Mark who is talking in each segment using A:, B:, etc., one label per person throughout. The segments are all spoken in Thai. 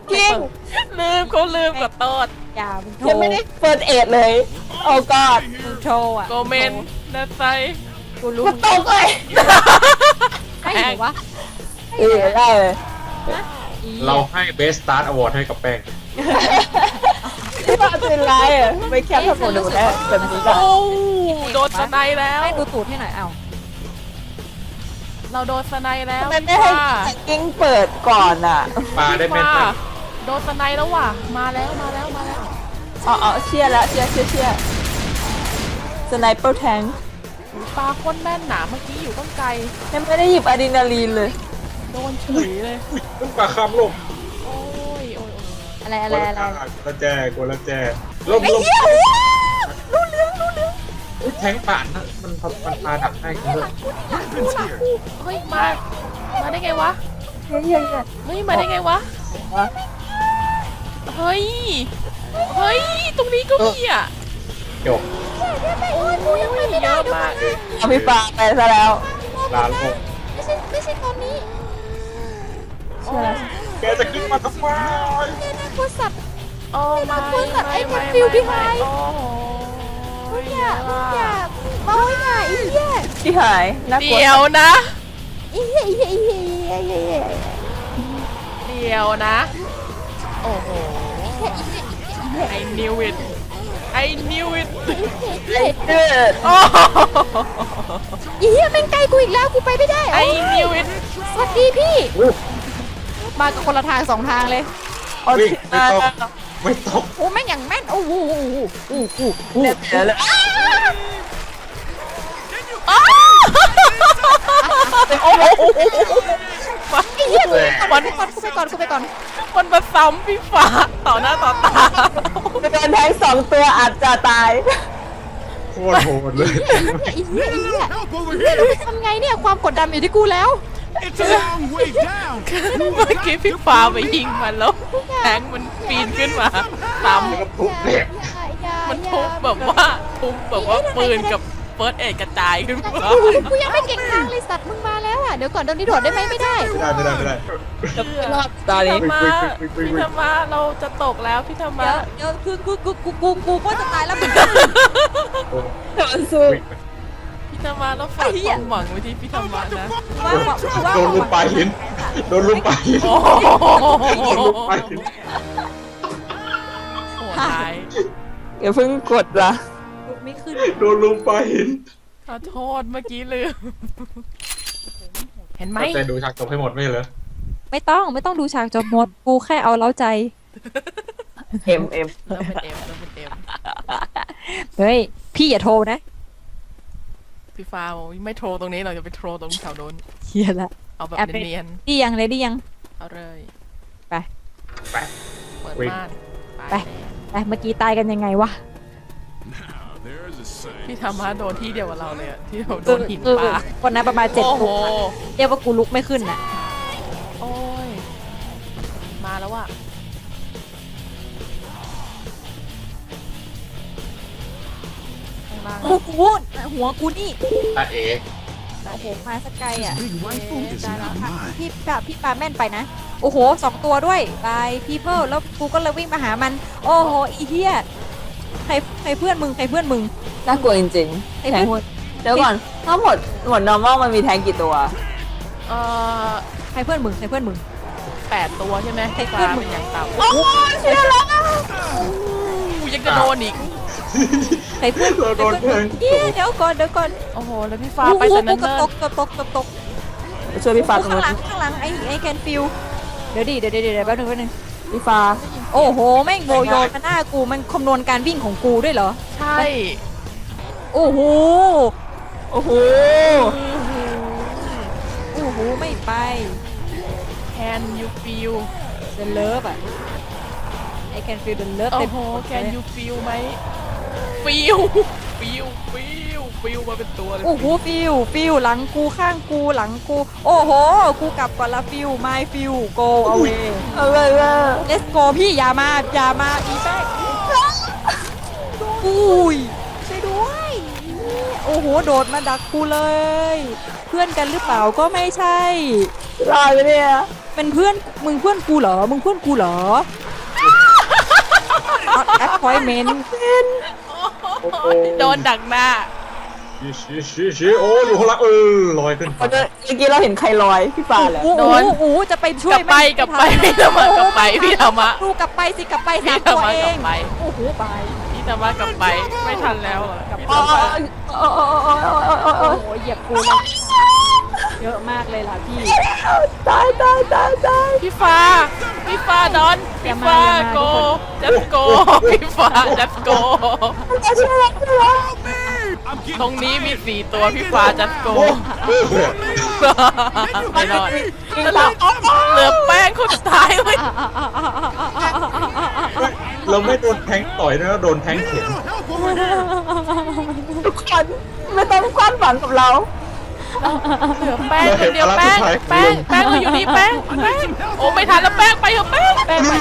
A: จริง
B: ลืมเขาลืมกับโตด
C: อย่ามึงโช
A: ยัง
C: ว์
A: ไม่ได้เปิดเอ็ดเลยโอ้กอด
C: มึงโชว์อ่ะ
B: โกเมนนัดไซ
C: กูรู้
A: กูตกเลย
C: ให้หรือวะ
A: ได้เลย
D: เราให้เบสสตาร์ทอวอร์ดให้กับแป้ง
A: ที่ว่าเป็นไรอ่ะไม่แค่ทำหมดดูแล้วแบบนี้ก็
B: โอ้โดนสไนแล้ว
C: ให้ดูตูดให้หน่อยเอ้า
B: เราโดนสไนแล้ว
A: ทำไมไม่ให้กิ้งเปิดก่อนอ่ะ
D: ปลาได้แม่น
B: ว่า
D: จัง
B: โดนสไนแล้วว่ะมาแล้วมาแล้วมาแล้ว
A: อ๋อเชียร์แล้วเชียร์สไนเปอร์แทง
B: ปลาคนแม่นหนาเมื่อกี้อยู่ต้องไกล
A: ยังไม่ได้หยิบอะดรีนาลีนเลย
B: โดนเฉยเลย
D: อุ้ยปลาคำลง
B: โอ้ยโอ้ย
C: อะไร
D: ก
C: อะไร
D: ลัว
C: อะไร
D: ละแจกลัวละแจลม
A: ไอ้
D: ลม
A: เหี้ยรู้เรื่อง
D: อุ้ยแทงป่านนะมันปลาดักให้กันเลย
B: เฮ้ยมาได้ไงวะ
A: เฮ้ย
B: เฮ้ยมาได้ไงวะเฮ้ยเฮ้ยตรงนี้ก็มีอ่ะ
D: จบ
B: โอ้ยเยอะมาก
A: เอาพี่ปาไปซะแล้ว
D: ลาลง
C: ไม่ใช่ตอนนี้
A: เชื่อแล้ว
D: แกจะขึ้นมาทำไม
C: กูสัตว์
B: โอ้ไม่
C: คุณสัตว์ไอ้คนฟิวพี่ไฮ
B: โอ้โห
C: อย่าเมาอย่าอีเหี้ย
A: ที่หายน่ากลัว
B: เดี๋ยวนะ
C: อีเหี้ยอีเหี้ยอีเหี้ยอีเหี้ย
B: เดี๋ยวนะ โอ้โห I knew it I knew it
A: ไอ้เดือด
B: โอ้โห
C: อีเหี้ยแม่งไกลกูอีกแล้วกูไปไม่ได้
B: I knew it
C: สวัสดีพี่
D: อุ๊ย
C: มากับคนละทางสองทางเลย
A: เอา
D: วิ่ง
A: ที่
D: ไม่
A: มา
D: ต้องไม่ต้อง
C: โอ้แม่งอย่างแม่นโอ้โห
A: เดือดเลย
B: โอ้โห
C: ไอ้เหี้ย
D: แหม่
B: มัน
C: กูไปก่อน
B: มันมาซ้ำพี่ฟ้าต่อหน้าต่อตา
A: จะโดนแทงสองตัวอาจจะตาย
D: โคตรโหดเลย
C: อีเหี้ยเราไปทำไงเนี่ยความกดดันอยู่ที่กูแล้ว
E: It's a long way down.
B: เมื่อกี้พี่ฟ้าไปยิงมันแล้วแทงมันปีนขึ้นมาซ้ำ
D: แล้วก็ทุบแหลก
B: มันทุบแบบว่าปืนกับเฟิร์สเอ็ดกระจายขึ้นมา
C: กูยังไม่เก่งทางเลยสัตว์มึงมาแล้วอ่ะเดี๋ยวก่อนโดนนี่โดดได้ไหมไม่ได้
D: ไม่ได้
A: รอบตอน
B: พี่
A: นี้
B: ธรรมะพี่ธรรมะเราจะตกแล้วพี่ธรรมะ
C: เดี๋ยวคือกูก็จะตายแล้วเหมือนกัน
A: มันสู้
B: พี่ธรรมะเราฝากความหวังไว้ที่พี่ธรรมะนะ
D: โดนลุมปลาหินโดนลุมปลาหิน
B: โอ้โห
D: โดนลุมปลาหิน
B: โหดร้าย
A: อย่าเพิ่งกดละ
C: ไม่ขึ้น
D: โดนลุมปลาหิน
B: ขอโทษเมื่อกี้ลืมเห็นไหม
D: แต่ดูฉากจบให้หมดไม่เหรอ
C: ไม่ต้องดูฉากจบหมดกูแค่เอาเล้าใจ
A: เอ็ม
B: เริ่มเป็นเอ็ม
C: เฮ้ยพี่อย่าโทรนะ
B: พี่ฟ้าบอกไม่โทรตรงนี้เราจะไปโทรตรงแถวโน้น
C: เฮียละ
B: เอาแบบเนียน
C: ดียังเลยดียัง
B: ๆเอาเลย
D: ไป
B: เปิด
D: วิ่ง
B: ม่าน
C: ไปเมื่อกี้ตายกันยังไงวะ
E: Now there's a sight.
B: พี่ธรรมะโดนที่เดียวกับเราเลยอะที่เราโดนหินปลา
C: คนนั้นประมาณ7
B: โอ้โห
C: ตัวเรียกว่ากูลุกไม่ขึ้นน่ะ
B: โอ้ยมาแล้วว่ะข้างล่าง
C: โอ้โหหัวกูนี่
D: ตาเอ๋
C: โอ้โหมาสกไกลอ่ะ
E: Big rifle is not mine.
C: พี่ปาแม่นไปนะ โอ้โห2 ตัวด้วยบายพีเพิลแล้วกูก็เลยวิ่งมาหามัน โอ้โหอีเหี้ยใครเพื่อนมึง
A: น่ากลัวจริงๆแทงเดี๋ยวก่อนถ้าหมด normal มันมีแทงกี่ตัว
B: เอ่อ
C: ใครเพื่อนมึง
B: 8 ตัวใช่ไหม
C: ให้
B: ฟ้า
C: เพื่อนมึง
B: เป็นอย่างต่ำ
A: โอ้เชื่อแล้ว
B: กูยังจะโดนอีก
C: ใครเพื่อน
D: เราโดนแทง
C: เดี๋ยวก่อน
B: โอ้โห แล้วพี่ฟ้า
C: โอ้โห
B: ไปสนัน
C: กระ
B: เนอ
C: ต
B: ร์
C: กตก
A: ช่วยพี่ฟ้าตรง
C: ข้าง
A: นู้น
C: หลังไอ้แคนฟิลเดี๋ยวแป๊บนึง
A: พี่ฟ้า
C: โอ้โหแม่งโบโยนมาหน้ากูมันคำนวณการวิ่งของกูด้วยเหรอ
B: ใช่
C: โอ้โห
A: โอ้โห
C: ไม่ไป
B: Can you feel
C: the love อ่ะ I can feel the love
B: โอ้
C: เต็ม
B: โห Can you feel ไหม feel มาเป็นตัวเลย
C: โอ้โหฟิลหลังกูข้างกูหลังกู โอ้โห กูกลับก่อนละฟิล my ฟิล go away let's go พี่อย่ามาอีแป๊กอุ้ยช่วยด้วย โอ้โห โดดมาดักกูเลย เพื่อนกันหรือเปล่าก็ไม่ใช่
A: รอดไปเนี่ย
C: เป็นเพื่อนมึงเพื่อนกูเหรอมึงเพื่อนกูเหรอ not appointment
D: โอ้โห
B: โดนดักหน้า
D: ชี้โอ้อยู่ข้างล่างลอยขึ้น
A: เมื่อกี้เราเห็นใครลอยพี่ปาเหรอ
C: โอ้โหจะไปช่วย
B: กลับไปพี่ธรรมะกลับไปพี่ธรรมะ
C: ดูกลับไปสิกลับไป
B: พี่
C: สาม
B: ธร
C: ตั
B: ร
C: ว
B: มะ
C: เอก
B: ลั
C: ง
B: บไป
C: โอ้โหไป
B: พี่ธรรมะกลับไปไม่ทันแล้วอะพี่ธ
A: โอ้
B: รรมะ
A: โอ้โอ้โอ้โอ้โอ้โอ้
C: โอ้โหเหยียบกูเลยเยอะมากเลยล่ะพี่
A: ตาย
B: พี่ฟ้าดอนพี่ฟ้าโกจัสโกพี่ฟ้าจัสโก
E: I'm getting
B: ตรงนี้มี4ตัวพี่ฟ้าจัสโกไม่รอดเหลือแป้งคนสุดท้ายเลย
D: เราไม่โดนแทงต่อยนะเราโดนแทงเข็น
E: help over here.
A: ทุกคนไม่ต้องคาดหวังกับเรา
B: เหลือแป้งคนเดียวแป้งเราอยู่นี่แป้งโอ้ไม่ทันแล้วแป้งไปเถอะแป้ง
C: แป้งไป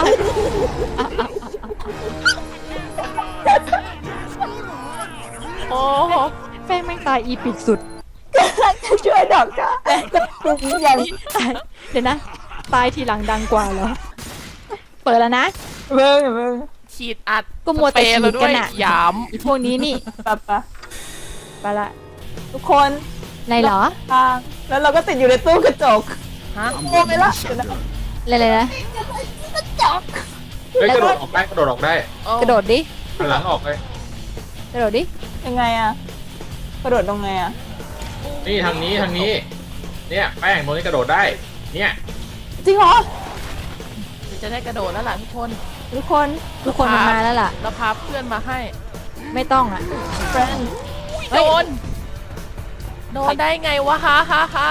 B: โอ้โห
C: แป้งแม่งตายอีปิกสุด
A: จะช่วยดอกจ้าอย่าง
C: เดี๋ยวนะ ตายทีหลังดังกว่าเหรอ เปิดแล้วนะ
A: เบิ่ง
B: ฉีดอัด
C: ก็มัวแต่ฉีดกันอะ
B: หยาม
C: อีพวกนี้นี่
A: ปะ
C: ไปละ
A: ทุกคน
C: อะไรเหรอ
A: ทางแล้วเราก็ติดอยู่ในตู้กระจก
B: ฮะ
A: โง่ไปละ
C: อะไรนะ
A: กระจก
D: เฮ้ยกระโดดออกได้กระโดดออกได้
C: กระโดดดิ
D: หันหลังออกเลย
C: กระโดดดิ
A: ยังไงอะกระโดดตรงไงอะ
D: นี่ทางนี้เนี่ยแป้งตรงนี้กระโดดได้เนี่ย
A: จริงเหรอ
B: จะได้กระโดดแล้วล่ะทุกคน
A: ทุกคน
C: ทุกคนมันมาแล้วล่ะ
B: เราพาเพื่อนมาให้
C: ไม่ต้องอ่ะ
A: เฟรนด์
B: โดนได้ไงวะฮะ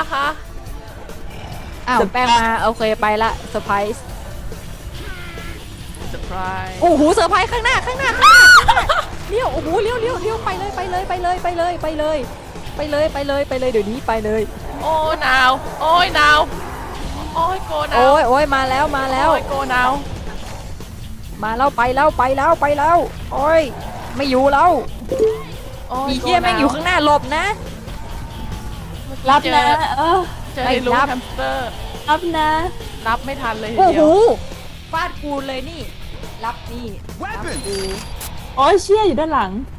C: อ้าวแป้งมาโอเคไปละเซอร์ไพรส์
B: เซอร์ไพรส์
C: โอ้โหเซอร์ไพรส์ข้างหน้าเลี้ยวโอ้โหเลี้ยวไปเลยเดี๋ยวนี้ไปเลย
B: โอ้หนาวโอ้ยหนาวโอ้ยโกหนาว
C: โอ้ยมาแล้ว
B: โอ้ยโกหนาว
C: มาแล้วไปแล้วโอ้ยไม่อยู่แล้ว
B: โอ้
C: อีเหี้ยแม่งอยู่ข้างหน้าหลบนะ
A: รับนะ
B: เจอในรู
C: ไม่รับ
B: แฮมสเตอร์
A: รับนะ
B: รับไม่ทันเลยที
C: โอ้
B: เดี
C: โห
B: ยว
C: ฟาดกูเลยนี่รับนี่
E: Weapons.
A: โอ้ยเชี่ยอยู่ด้านหลัง